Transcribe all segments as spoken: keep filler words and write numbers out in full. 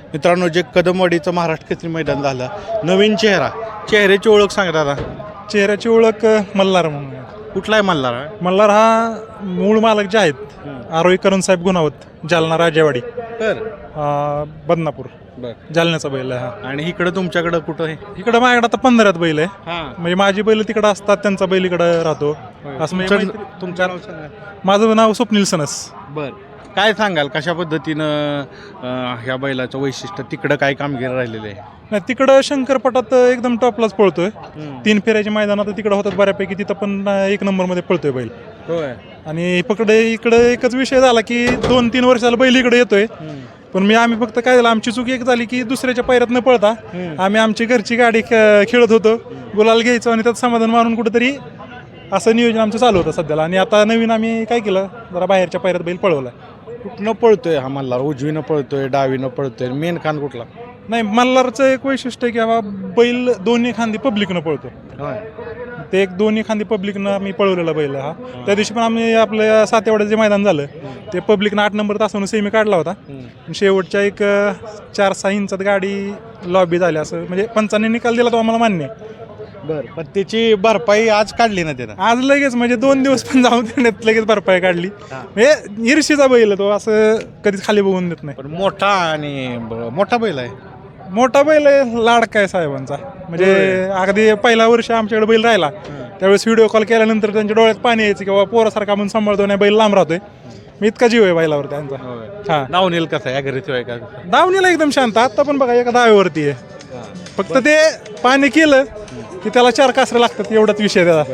मित्रांनो, जे कदमवाडीचं महाराष्ट्र केसरी मैदान झालं, नवीन चेहरा, चेहऱ्याची ओळख सांगा दादा. चेहऱ्याची ओळख मल्हार म्हणून आहे. कुठला आहे मल्हार? मल्हार हा मूळ मालक जे आहेत आरोही करण साहेब गुणावत, जालना राजेवाडी, तर बदनापूर, जालन्याचा बैल आहे हा. आणि इकडं तुमच्याकडं कुठं आहे? इकडं माझ्याकडे आता पंधरात बैल आहे. हां, म्हणजे माझी बैल तिकडं असतात, त्यांचा बैल इकडं राहतो असं. म्हणजे तुमचं तुमचं नाव सांगा. माझं नाव स्वप्नील सनस. बर, काय सांगाल कशा पद्धतीनं अं, ह्या बैलाचं वैशिष्ट्य, तिकडं काय कामगिरी राहिलेलं आहे? नाही, तिकडं शंकरपटात एकदम टॉपलाच पळतोय. तीन फेऱ्याची मैदानात तिकडं होतात बऱ्यापैकी, तिथं पण एक नंबरमध्ये पळतोय बैल. होय. आणि पकडे इकडे एकच विषय झाला की दोन तीन वर्षाला बैल इकडे येतोय, पण मी आम्ही फक्त काय झालं, आमची चूक एक झाली की दुसऱ्याच्या पैरात न पळता आम्ही आमची घरची गाडी खे- खेळत होतो, गुलाल घ्यायचो आणि त्यात समाधान मारून कुठेतरी असं नियोजन आमचं चालू होतं सध्याला. आणि आता नवीन आम्ही काय केलं, जरा बाहेरच्या पैरात बैल पळवला. कुठनं पळतोय हा मल्हार? उजवीनं पळतोय, डावीनं पळतोय, मेन खान कुठला? नाही, मल्हारचं एक वैशिष्ट्य आहे की बाबा बैल दोन्ही खांदी पब्लिकनं पळतो. ते एक दोन्ही खांदी पब्लिकनं आम्ही पळवलेला बैल हा. त्या दिवशी पण आम्ही आपल्या सातेवाड्याचं जे मैदान झालं ते पब्लिकनं आठ नंबर तासावरून सेमी काढला होता. शेवटच्या एक चार सहा इंचात गाडी लॉबी झाली, असं म्हणजे पंचांनी निकाल दिला तो आम्हाला मान्य आहे. बर, पण त्याची भरपाई आज काढली ना त्यानं? आज लगेच म्हणजे दोन दिवस पण जाऊन देण्यात लगेच भरपाई काढली. म्हणजे ईर्षीचा बैल तो, असं कधीच खाली बघून देत नाही. पण मोठा आणि ब- मोठा बैल आहे. मोठा बैल आहे, लाडका आहे साहेबांचा. म्हणजे अगदी पहिला वर्ष आमच्याकडे बैल राहिला त्यावेळेस व्हिडिओ कॉल केल्यानंतर त्यांच्या डोळ्यात पाणी यायचं किंवा पोरासारखा म्हणून सांभाळतो नाही, बैल लांब राहतोय. मी इतका जीव आहे बैलावर त्यांचा. हा, नाव नेल कसं आहे घरी ठेवाय का? दावणीला एकदम शांत. आता पण बघा एका दावेवरती आहे, फक्त ते पाणी केलं की त्याला चार कासरे लागतात, एवढाच विषय त्याचा.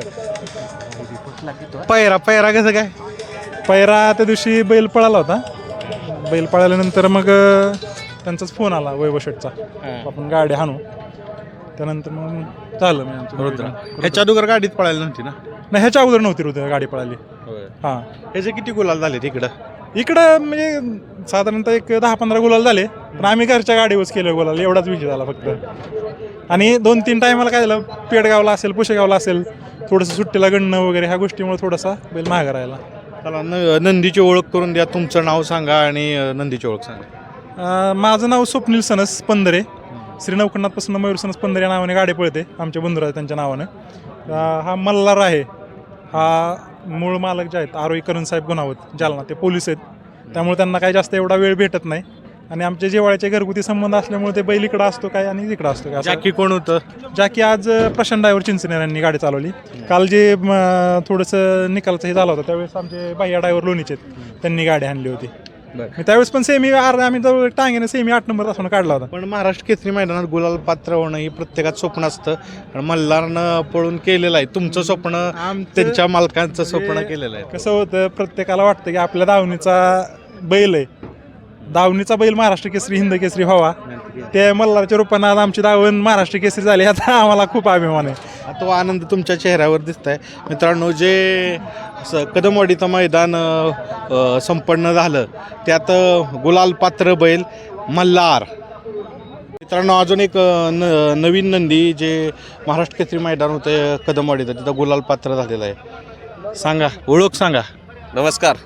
पैरा पैरा कसं काय? पैरा त्या दिवशी बैल पळाला होता. बैल पळाल्यानंतर मग त्यांचाच फोन आला वैभव शेटचा, आपण गाडी हाणू. त्यानंतर मग झालं म्हणजे आमचं रुद्र. ह्याच्या अगोदर गाडीत पळायला नव्हती ना? नाही, ह्याच्या अगोदर नव्हती रुद्र गाडी पळाली. हां, ह्याचे किती गुलाल झाले तिकडं? इकडं म्हणजे साधारणतः एक दहा पंधरा गुलाल झाले, पण आम्ही घरच्या गाडीवरच केलं गुलाल, एवढाच विषय झाला फक्त. आणि दोन तीन टायमाला काय झालं, पेडगावला असेल, पुशेगावला असेल, थोडंसं सुट्टीला गणणं वगैरे ह्या गोष्टीमुळे थोडासा बैल महागा राहिला. चला, न नंदीची ओळख करून द्या. तुमचं नाव सांगा आणि अं, नंदीची ओळख सांगा. अं, माझं नाव स्वप्नील सनस पंधरे. श्री नवखंडातपासून मयूर सनस पंधरे या नावाने गाडी पळते, आमच्या बंधुराज त्यांच्या नावानं. अं, हा मल्हार आहे, हा मूळ मालक जे आहेत आरोही करण साहेब गुणावत, जालना, ते पोलीस आहेत, त्यामुळे त्यांना काही जास्त एवढा वेळ भेटत नाही. आणि आमच्या जेवाळ्याचे घरगुती संबंध असल्यामुळे ते बैल इकडं असतो काय आणि इकडं असतो काय. जाकी कोण होतं? जाकी आज प्रशांत ड्रायव्हर चिंचनेर यांनी गाडी चालवली. काल जे म, थोडंसं निकालचं हे झालं होतं त्यावेळेस आमचे बाह्या ड्रायव्हर लोणीचे त्यांनी गाडी आणली होती. त्यावेळेस पण सेमी आम्ही जवळ टांगेने सेमी आठ नंबर तासून काढला होता. पण महाराष्ट्र केसरी मैदानात गुलाल पात्र होणं ही प्रत्येकात स्वप्न असतं, आणि मल्हारनं पळून केलेलं आहे. तुमचं स्वप्न त्यांच्या मालकांचं स्वप्न केलेलं आहे. कसं होतं, प्रत्येकाला वाटतं की आपल्या दावणीचा बैल आहे, दावणीचा बैल महाराष्ट्र केसरी, हिंद केसरी व्हावा. ते मल्हारच्या रूपानं आज आमची दावण महाराष्ट्र केसरी झाली, आता आम्हाला खूप अभिमान आहे. तो आनंद तुमच्या चेहऱ्यावर दिसत आहे. मित्रांनो, जे स कदमवाडीचं मैदान अ, अ, संपन्न झालं त्यात अ, गुलाल पात्र बैल मल्हार. मित्रांनो, अजून एक अ, न नवीन नंदी जे महाराष्ट्र केसरी मैदान होतं कदमवाडीचं, तिथं गुलाल पात्र झालेलं आहे. सांगा, ओळख सांगा. नमस्कार.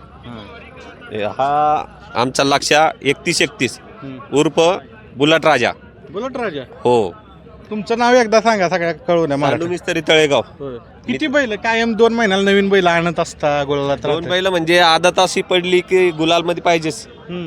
हा आमचा लक्ष्या एकतीस एकतीस उर्फ बुलट राजा. बुलट राजा. हो, तुमचं नाव एकदा सांगा सगळ्या कळून आहे मला. मिस्त्री तळेगाव. किती बैल कायम दोन महिन्याला नवीन बैल आणत असता गुलालात? दोन बैल म्हणजे आदत अशी पडली की गुलाल मध्ये पाहिजेच.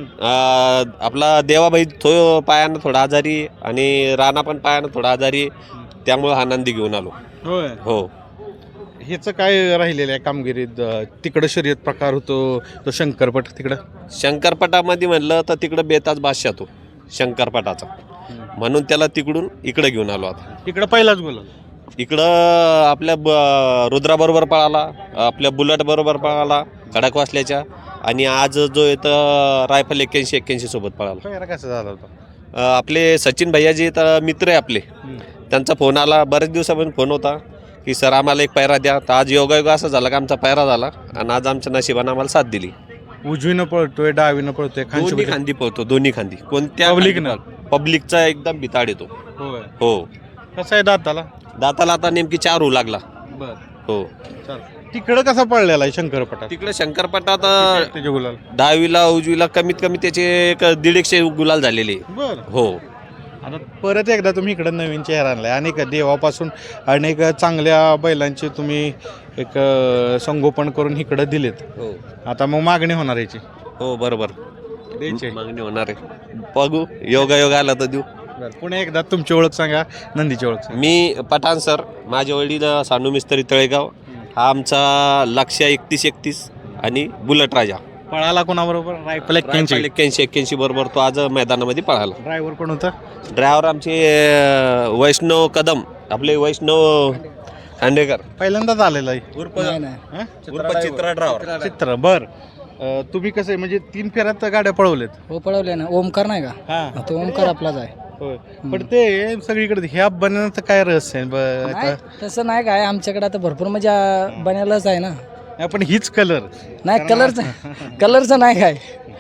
आपला देवाबाई थो पायानं थोडा आजारी आणि राणा पण पायानं थोडा आजारी, त्यामुळे हा नंदी घेऊन आलो. होय. हो, ह्याचं काय राहिलेलं आहे कामगिरीत? तिकडं शर्यत प्रकार होतो तो शंकरपट, तिकडं शंकरपटामध्ये म्हणलं तर तिकडं बेताज बादशाह तो शंकरपटाचा, म्हणून त्याला तिकडून इकडे घेऊन आलो. आता तिकडं पहिलाच गुलाल, इकडं आपल्या ब रुद्राबरोबर पळाला, आपल्या बुलट बरोबर पळाला खडक वासल्याच्या, आणि आज जो येतं रायफल एक्क्याऐंशी एक्क्याऐंशी सोबत पळाला. पहिला कसा झाला होता? अ, आपले सचिन भैयाजी तर मित्र आहे आपले, त्यांचा फोन आला बरेच दिवसापासून फोन होता की सर आम्हाला एक पायरा द्या. तर आज योगायोग असं झाला की आमचा पायरा झाला आणि आज आमच्या नशिबानं आम्हाला साथ दिली. उजवीनं पळतोय, डावीनं पळतोय, दोन्ही खांदी पळतो, दोन्ही खांदी. कोणत्या पब्लिक खांदी पळतो. पब्लिकचा एकदम भिताड येतो. होय. हो, कसं आहे दाताला? दाताला आता नेमकी चार होऊ लागला. बर, हो, चाल. तिकडं कसा पळलेला आहे शंकरपटात तिकडे शंकरपटात त्याचे गुलाल दहावीला उजवीला कमीत कमी त्याचे एक दीड एकशे गुलाल झालेले बर हो. आता परत एकदा तुम्ही इकडं नवीन चेहरा आणलाय अनेक देवापासून अनेक चांगल्या बैलांचे तुम्ही एक अं, संगोपन करून इकडं दिलेत. हो आता मग मागणी होणार याची हो बरोबर द्यायची मागणी होणार आहे. बघू योगा योगा आला तर देऊ. पुन्हा एकदा तुमची ओळख सांगा, नंदीची ओळख सांगा. मी पठाण सर, माझे वडील सांडू मिस्त्री तळेगाव, हा आमचा लक्ष्य एकतीस एकतीस आणि बुलट राजा पळाला कोणाबरोबर रायफल एक्क्याऐंशी एक्क्याऐंशी एक्क्याऐंशी बरोबर तो आज मैदानामध्ये पळाला. ड्रायव्हर कोण होता? ड्रायव्हर आमचे अं, वैष्णव कदम, आपले वैष्णव खांडेकर पहिल्यांदाच आलेला आहे उर्फ हं? उर्फ चित्रा ड्रायव्हर. चित्र बर अं, तुम्ही कसं आहे म्हणजे तीन फेऱ्यात गाड्या पळवलेत? हो पळवले ना. ओमकार नाही का? हा तो ओमकार आपलाच आहे. होय पण ते सगळीकडे ह्या बनण्याचं काय रहस्य आहे? ब- नाही, आता तसं नाही काय आमच्याकडे आता भरपूर म्हणजे आ, बनायलाच आहे ना. आपण हीच कलर नाही कलरचं कलरचं नाही काय,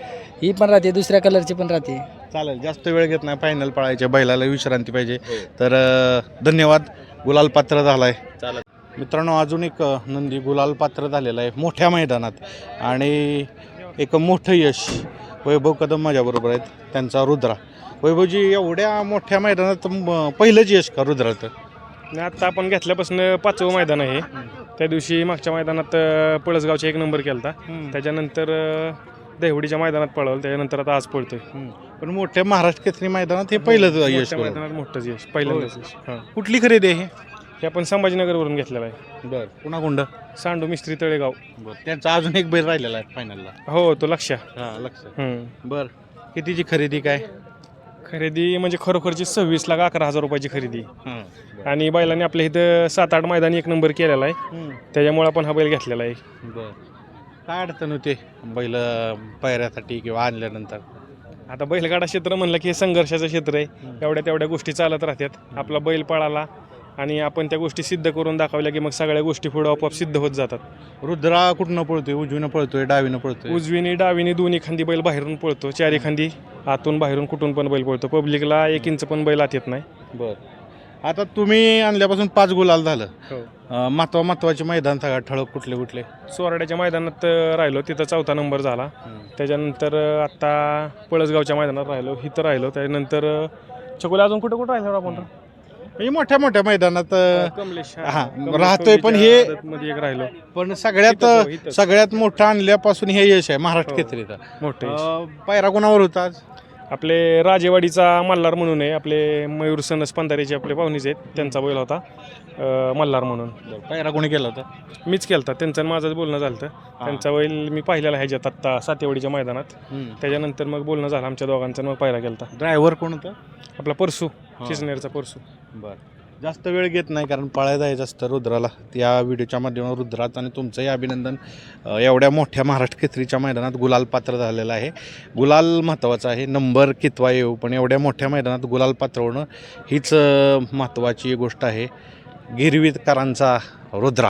ही पण राहते दुसऱ्या कलरची पण राहते. चालेल, जास्त वेळ घेत नाही. फायनल पळायच्या बैलाला विश्रांती पाहिजे. तर अं, धन्यवाद. गुलाल पात्र झालाय. चालेल. मित्रांनो, अजून एक अं, नंदी गुलाल पात्र झालेला आहे मोठ्या मैदानात आणि एक मोठं यश. वैभव कदम माझ्याबरोबर आहेत, त्यांचा रुद्रा. वैभवजी, एवढ्या मोठ्या मैदानात म- पहिलंच यश का रुद्राचं? आणि आत्ता आपण घेतल्यापासून पाचवं मैदान आहे. त्या दिवशी मागच्या मैदानात अ, पळसगावचा एक नंबर केला होता. त्याच्यानंतर अ, देवडीच्या मैदानात पळवलं, त्याच्यानंतर आता आज पळतोय. पण मोठ्या महाराष्ट्र केसरी मैदानात हे पहिलंच यश. मोठ्या मैदानात मोठंच यश, पहिल्यांदाच यश. हां, कुठली खरेदी आहे हे आपण संभाजीनगरवरून घेतलेलं आहे. बर पुन्हा गुंड सांडू मिस्त्री तळेगाव. त्यांचा अजून एक बैल राहिलेला आहे फायनलला. हो, तो लक्ष. हा लक्ष. हम्म. बर कितीची खरेदी काय? खरेदी म्हणजे खरोखरची सव्वीस लाख अकरा हजार रुपयाची खरेदी. हां आणि बैलांनी आपल्या इथं सात आठ मैदानी एक नंबर केलेला आहे, त्याच्यामुळे आपण हा बैल घेतलेला आहे. बर काय अडचण होते बैल पायऱ्यासाठी किंवा आणल्यानंतर? आता बैलगाडा क्षेत्र म्हणलं की हे संघर्षाचं क्षेत्र आहे. एवढ्या तेवढ्या गोष्टी चालत राहतात. आपला बैल पळाला आणि आपण त्या गोष्टी सिद्ध करून दाखवल्या की मग सगळ्या गोष्टी पुढे आपोआप सिद्ध होत जातात. रुद्रा कुठनं पळतोय? उजवीनं पळतोय, डावीनं पळतोय? उजवीनी डावीनी दोन्ही खांदी बैल बाहेरून पळतो, चारी खांदी आतून बाहेरून कुठून पण बैल पळतो. पब्लिकला एक इंच पण बैल आत येत नाही. बर आता तुम्ही आणल्यापासून पाच गुलाल झालं. हो. अं, महत्वा महत्वाचे मैदान सगळ्यात ठळक कुठले कुठले? सोराड्याच्या मैदानात अं, राहिलो, तिथं चौथा नंबर झाला. त्याच्यानंतर अं, आत्ता पळसगावच्या मैदानात राहिलो, इथं राहिलो. त्यानंतर अं, चकोले अजून कुठं कुठं राहिलो आपण? म्हणजे मोठ्या मोठ्या मैदानात अं, कमलेश हा, कमलेश राहतोय पण कोहलीच्या हे- आदतमध्ये एक राहिलो. पण सगळ्यात इथंच हो, इथंच. सगळ्यात मोठं आणल्यापासून हे यश आहे महाराष्ट्र हो. केसरीचा. मोठे अं, पायरा कोणावर होता आज? आपले राजेवाडीचा मल्हार म्हणून आहे, आपले मयूर सनस पंधारेचे आपले पाहुणेच आहेत, त्यांचा बैल होता अं, मल्हार म्हणून. पायरा कोणी केला होता? मीच केलता, त्यांचं आणि माझंच बोलणं झालं होतं. त्यांचा बैल मी पाहिलेला ह्याच्यात आत्ता सातेवाडीच्या मैदानात. त्याच्यानंतर मग बोलणं झालं आमच्या दोघांचं, मग पाहिला केलता. ड्रायव्हर कोण होता? आपला परसू, चिचनेरचा परसू. बरं जास्त वेळ घेत नाही कारण पळायला जायचं असतं रुद्राला. या व्हिडिओच्या माध्यमातून रुद्राचं आणि तुमचंही अभिनंदन. अं, एवढ्या मोठ्या महाराष्ट्र केसरीच्या मैदानात गुलाल पात्र झालेलं आहे. गुलाल महत्त्वाचा आहे, नंबर कितवा येऊ, पण एवढ्या मोठ्या मैदानात गुलाल पात्र होणं हीच अं, महत्त्वाची गोष्ट आहे. गिरवीतकरांचा रुद्रा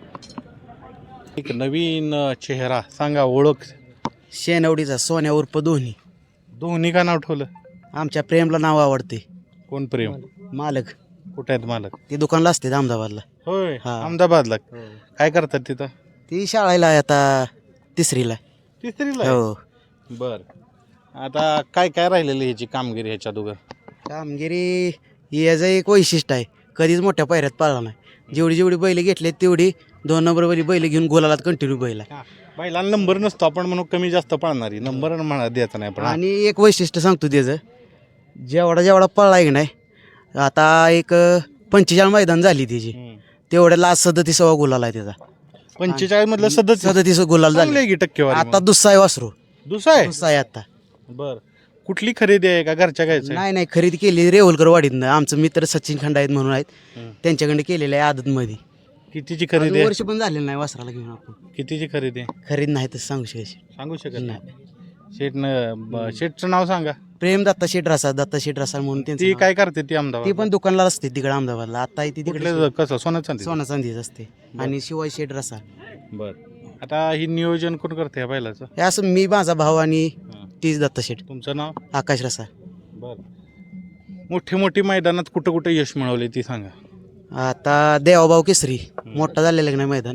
एक नवीन अं, चेहरा सांगा, ओळख. शेनवडीचा सोन्या उर्फ दोन्ही. दोन्ही का नाव ठेवलं? आमच्या प्रेमला नाव आवडते. कोण प्रेम? मालक कुठे आहेत मालक? ते दुकानला असते अहमदाबादला. होय, हा. अहमदाबादला. काय करतात तिथं? ती शाळेला आहे आता तिसरीला. तिसरीला आहे? हो. बर आता काय काय राहिलेली ह्याची कामगिरी ह्याच्या दोघं? कामगिरी याचं एक वैशिष्ट्य आहे, कधीच मोठ्या पायऱ्यात पळला नाही. जेवढी जेवढी बैल घेतले तेवढी दोन नंबरवाली बैल घेऊन गोलालात कंटिन्यू बैल आहे. बैलांना नंबर नसतो, आपण म्हणून कमी जास्त पळणारी नंबर म्हणा द्यायचा नाही. पण आणि एक वैशिष्ट्य सांगतो त्याचं, जेवढा जेवढा पळला की नाही, आता एक पंचेचाळीस मैदान झाली त्याची, तेवढ्या लास्ट सदतीसावा गुलाल आहे त्याचा. पंचेचाळीस मधलं सदस्य सदतीस गुलाल झाले. की टक्केवारी आता दुसरा आहे वासरू. दुसरा आहे? दुसरा आहे आता. बर कुठली खरेदी आहे का घरच्या घ्यायचं? नाही नाही, खरेदी केली रेवलकर वाडीतनं. आमचं मित्र सचिन खंडा आहेत म्हणून आहेत, त्यांच्याकडे केलेलं आहे आदतमध्ये. कितीची खरेदी अजून आहे? वर्ष पण झालेलं नाही वासराला घेऊन आपण. कितीची खरेदी आहे खरेदी नाही तर सांगू शकायची सांगू शकत नाही. नाही. शेटनं शेटचं नाव सांगा. प्रेम दत्ता शेठ रसाळ, दत्ता शेठ रसाळ म्हणून त्यांचं ती नाव. काय करते ती ती अहमदाबाद? पण दुकानला असते तिकडे अहमदाबादला. आता ती तिकडे कुठले कसं सोनं चांदी? सोना चांदीच असते. आणि शिवाय शेठ रसाळ. बर आता ही नियोजन कोण करते ह्या बैलाचं? हे असं मी, माझा भाऊ आणि तीच दत्ता शेठ. तुमचं नाव? आकाश रसाळ. बर मोठी मोठी मैदानात कुठं कुठं यश मिळवले ती सांगा. आता देवाभाऊ केसरी मोठा झालेला नाही मैदान,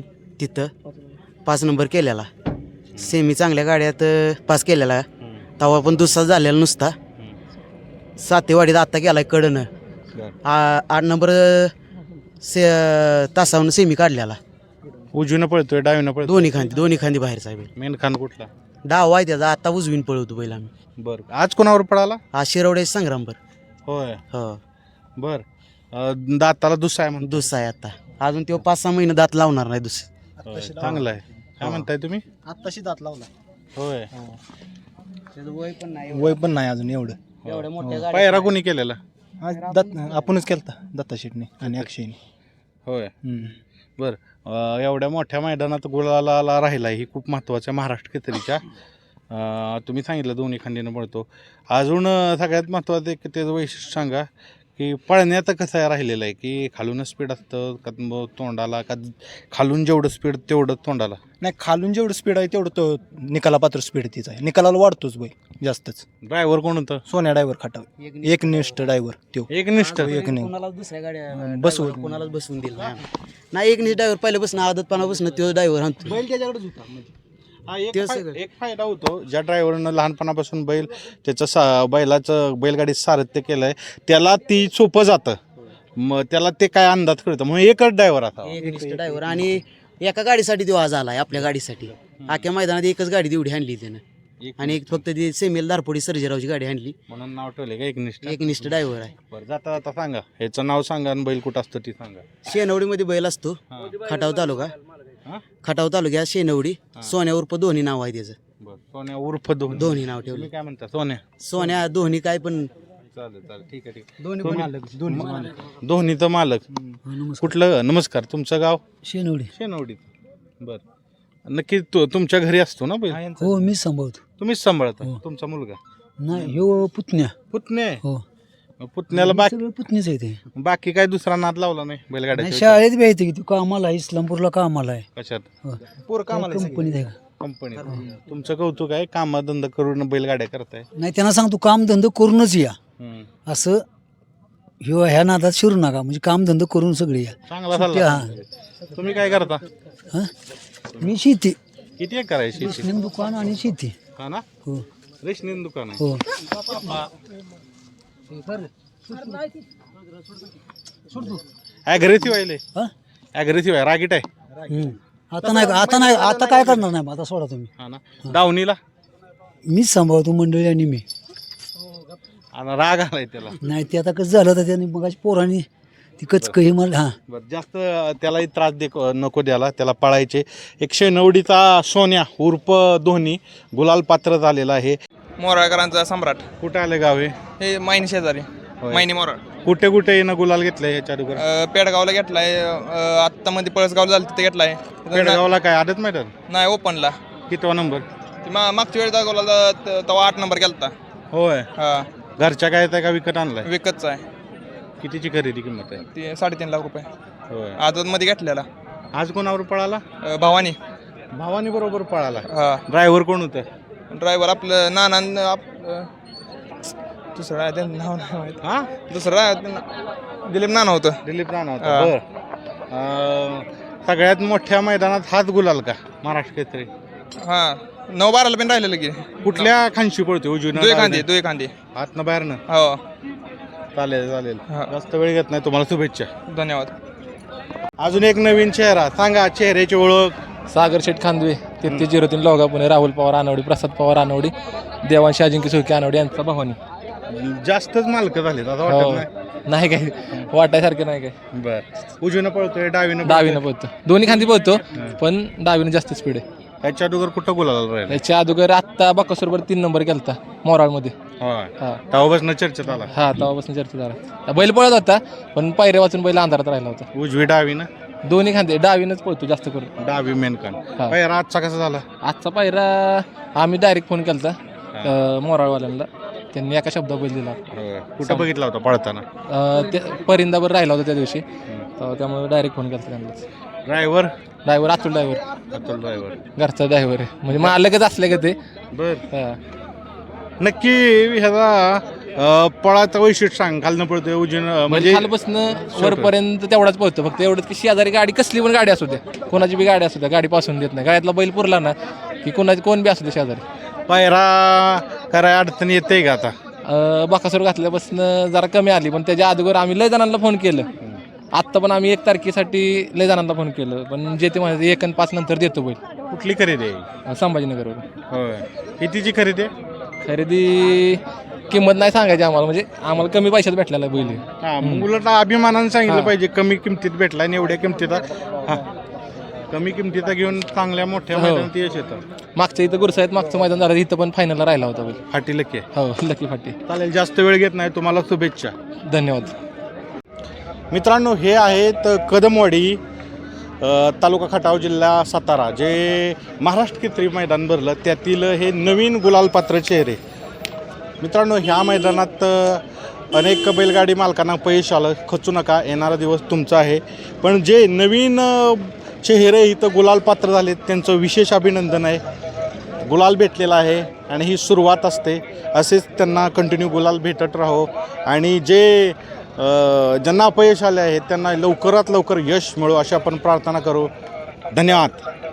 तिथं पाच नंबर केलेला. सेमी चांगल्या गाड्यात अ, पास केलेला. तवा पण दुसरा झालेला नुसता. सातेवाडीत आत्ता गेलाय कडनं. आ- आठ नंबर अ, से तासावरून सेमी काढलेला. उजवीनं पळतोय डावीनं पळतोय दोन्ही खांदी दोन्ही खांदी बाहेरचा आहे बैल. मेन खान कुठला? डाव आहे त्याचा, आता उजवीन पळवतो बैल आम्ही. बरं आज कोणावर पळाला? हा शिरवडे संग्रामभर. होय हो बर अं, दाताला दुसरा आहे म्हणतो. दुसरा आहे आता. अजून तो पाच सहा महिने दात लावणार नाही दुसरं. होय, चांगलं आहे. काय म्हणताय तुम्ही? आत्ताशी दात लावला. होय त्याचं वय पण नाही वय पण नाही अजून एवढं. एवढ्या मोठ्या गाड्या. पायरा कोणी केलेला? आज दत्त आपणच केलता दत्ता शेटने आणि अक्षयने. होय हम्म. बर अं, एवढ्या मोठ्या मैदानात गुलाला राहिला ही खूप महत्त्वाच्या महाराष्ट्र केसरीच्या. अं, तुम्ही सांगितलं दोन्ही खांदीनं पळतो. अजून अं, सगळ्यात महत्त्वाचं एक त्याचं वैशिष्ट्य सांगा की पळण्यात कसं आहे राहिलेलं आहे की खालूनच स्पीड असतं का मग तोंडाला का खालून जेवढं स्पीड तेवढं तोंडाला? नाही खालून जेवढं स्पीड आहे तेवढं तो निकाला पात्र स्पीड तीच आहे. निकालाला वाढतोच बाई जास्तच. ड्रायव्हर कोण होतं? सोन्या ड्रायव्हर खाटाव एक निष्ठ ड्रायव्हर तो एक निष्ठ. एक नाही कोणालाच दुसऱ्या गाड्या बसवून. बसवून कोणालाच बसवून दिलं नाही. नाही एक नीट ड्रायव्हर पहिल्यापासून आदतपणापासून तो ड्रायव्हर आणतो. बैल त्याच्याकडेच होता. हा एक ते फाय- सगळं. एक फायदा होतो ज्या ड्रायव्हरनं लहानपणापासून बैल त्याचं सा बैलाचं बैलगाडी सारथ्य केलं आहे त्याला ती सोपं जातं. मग त्याला ते काय अंदाज कळतं म्हणून एकच ड्रायव्हर आता. एक निष्ठ ड्रायव्हर आणि एका गाडीसाठी तो आज आलाय आपल्या गाडीसाठी. अख्ख्या मैदानात एकच गाडी तेवढी आणली त्यानं. आणि एक फक्त ती सेमेल दारपोडी सर्जेरावची गाडी आणली. म्हणून नाव ठेवले का एकनिष्ठ. एक निष्ठ ड्रायव्हर आहे. बरं जाता जाता सांगा ह्याचं नाव सांगा आणि बैल कुठं असतं ते सांगा. शेनवडीमध्ये बैल असतो. खटाव तालुका हा? खटाव तालुक्यात शेनवडी. सोन्या उर्फ दोन्ही नाव आहे त्याचं. बरं सोन्या उर्फ दोन्ही. दोन्ही नाव ठेवले. तुम्ही काय म्हणता? सोन्या. सोन्या दोन्ही काय पण चालेल चालेल ठीक आहे ठीक आहे. दोन्ही तुम्ही- मालक दोन्ही मालक. दोन्हीचं मालक कुठलं? नमस्कार. तुमचं गाव? शेनवडी. शेनवडीत. बरं नक्की तु तुमच्या घरी असतो ना बैल? हो मी सांभाळतो. तुम्हीच सांभाळता? तुमचा मुलगा? नाही ह्यो पुतण्या. पुतणे? हो पुतण्याला बाकी सगळं पुतणीच आहे ते. बाकी काय दुसरा नाद लावला नाही नाही बैलगाड्याच्या? शाळेत बी आहे ते की तू कामाला आहे इस्लामपूरला कामाला आहे. कशात? हो. पोर कामाला आहे कंपनीत आहे का? कंपनीत. तुमचं कौतुक आहे कामधंदा करून बैलगाड्या करताय. नाही त्यांना सांगतो कामधंदा करूनच या हम्म. असं ह्यो ह्या नादात शिरू नका म्हणजे कामधंदा करून सगळे या. चांगला सुट्टी, सल्ला. तुम्ही काय करता? हं? मी शेती किती एकर आहे शेती? रेशनिंग दुकान आणि शेती. हा ना हो रेशनिंग दुकान आहे. हो ॲग्रेसिव्ह आहे हं? ॲग्रेसिव्ह आहे रागीट आहे. हम्म. आता नाही आता नाही आता काय करणार नाही मग आता सोडा तुम्ही. हा ना दावणीला मीच सांभाळतो मंडळी आणि मी. आणि राग आलाय त्याला. नाही ते आता कसं झालं तर त्याने मग पोरांनी ती कचकही मला हां बरं जास्त त्यालाही त्रास दे नको द्याला. त्याला पळायचे. एकशे नवडीचा सोन्या उर्फ धोनी गुलाल पात्र झालेला आहे. मोराळकरांचा सम्राट. कुठे आले गाव हे? हे मायनी शेजारी मायनी मोराळ. कुठे कुठे येणं गुलाल घेतलंय ह्याच्या अगोदर? अ, पेडगावला घेतलाय. आत्ता मध्ये पळसगावला झालं तिथे घेतलाय. पेडगावला काय आदत मैदान? नाही ओपनला. कितवा नंबर? ती मा- मागच्या वेळेस दाखवला तेव्हा आठ नंबर गेलता. होय हा घरच्या काय येत का विकत आणलाय? विकतचा आहे. कितीची खरेदी किंमत आहे? ती साडेतीन लाख रुपये होय आदत मध्ये घेतलेला. आज कोणावर पळाला? अ, भवानी. भावानी बरोबर पळाला. हा ड्रायव्हर कोण होतं? ड्रायव्हर आपलं नाना आप- दुसरं आहे त्यांचं नाव नाही माहित. हा दुसरं आहे त्यांना- दिलीप नाना होतं. दिलीप राणा होता. हा. बर अं, सगळ्यात मोठ्या मैदानात हात गुलाल का महाराष्ट्र केसरी? हा नऊ बाराला पण राहिलेलं की कुठल्या खांशी पळते? उजवी दुई खांदी दुई खांदी. हातनं बाहेरनं? हो चालेल चालेल हा. जास्त वेळ घेत नाही. तुम्हाला शुभेच्छा. धन्यवाद. अजून एक नवीन चेहरा सांगा. चेहऱ्याची ओळख? सागर शेठ खांदवे तेहतीस झिरो तीन लोगा पुणे. राहुल पवार आनवडी, प्रसाद पवार आनवडी, देवांशी अजिंक्य सुळके आनवडी यांचा भवानी. जास्तच मालक झालेत आता हो. वाटत नाही. नाही काय वाटायसारखं नाही काय. बर उजवीनं पळतोय डावीनं डावीनं पोहतो. दोन्ही खांदी पोहतो पण डावीनं जास्त स्पीड आहे. ह्याच्या अगोदर कुठं गुलाल राहिला? त्याच्या अगोदर आत्ता बाकासोरवर तीन नंबर केलता मोराळमध्ये. होय हा तेव्हापासून चर्चेत आला. हा तेव्हापासून चर्चा झाला. बैल पळत होता पण पायऱ्या वाचून बैल अंधारात राहिला होता. उजवी डावीनं? दोन्ही खांदे डावीनंच पळतो जास्त करून. डावी मेनकान. हा. पायरा आजचा कसा झाला? आजचा पायरा आम्ही डायरेक्ट फोन केलता अं, मोराळवाल्यांना. त्यांनी एका शब्दात बैल दिला. होय. कुठं बघितला होता पळताना? अं, ते परिंदावर राहिला होता त्या दिवशी तेव्हा त्यामुळे डायरेक्ट फोन केला त्यांनाच. Driver? Driver Atul driver Atul driver. घरचा ड्रायव्हर आहे म्हणजे मालकच असले का ते. बर हा. नक्की ह्याचा अ, पळाचं वैशिष्ट्य सांग, खालनं पळतोय उजवीन म्हणजे म्हणजे खालपासून वरपर्यंत तेवढाच पळतो. फक्त एवढंच की शेजारी गाडी कसली पण गाडी असू द्या, कोणाची बी गाडी असू द्या, गाडी पासून देत नाही. गाड्यातला बैल पुरला ना की कोणाची कोण बी असू दे शेजारी. पायरा कराय अडचण येते का आता? अं, बाकासूर घातल्यापासून जरा कमी आली, पण त्याच्या अगोदर आम्ही लय जणांना फोन केलं. आत्ता पण आम्ही एक तारखेसाठी लय जणांना फोन केलं, पण जे ते म्हणाले एक आणि पाच नंतर देतो बैल. कुठली खरेदी आहे? संभाजीनगरवर होय. कितीची खरेदी आहे? खरेदी किंमत नाही सांगायची आम्हाला, म्हणजे आम्हाला कमी पैशात भेटलेला बैल आहे. हा, मग उलट अभिमानानं सांगितलं हा. पाहिजे, कमी किमतीत भेटला आणि एवढ्या किमतीत हा कमी किमतीत घेऊन चांगल्या मोठ्या हो. मैदानात यश येतं. मागच्या इथं गुरसाईत मागचं मैदान झालं, इथं पण फायनलला राहिला होता बैल. फाटी लके. हो, लकी फाटी. चालेल, जास्त वेळ घेत नाही, तुम्हाला शुभेच्छा. धन्यवाद. मित्रांनो, हे आहेत कदमवाडी अ, तालुका खटाव, जिल्हा सातारा, जे महाराष्ट्र केसरी मैदान भरलं त्यातील हे नवीन गुलाल पात्र चेहरे. मित्रांनो, ह्या मैदानात अ, अनेक बैलगाडी मालकांना अपयश आलं, खचू नका, येणारा दिवस तुमचा आहे. पण जे नवीन अ, चेहरे इथं गुलाल पात्र झालेत त्यांचं विशेष अभिनंदन आहे. गुलाल भेटलेला आहे आणि ही सुरुवात असते, असेच त्यांना कंटिन्यू गुलाल भेटत राहो. आणि जे अ, ज्यांना अपयश आले आहे त्यांना लवकरात लवकर यश मिळो अशी आपण प्रार्थना करू. धन्यवाद.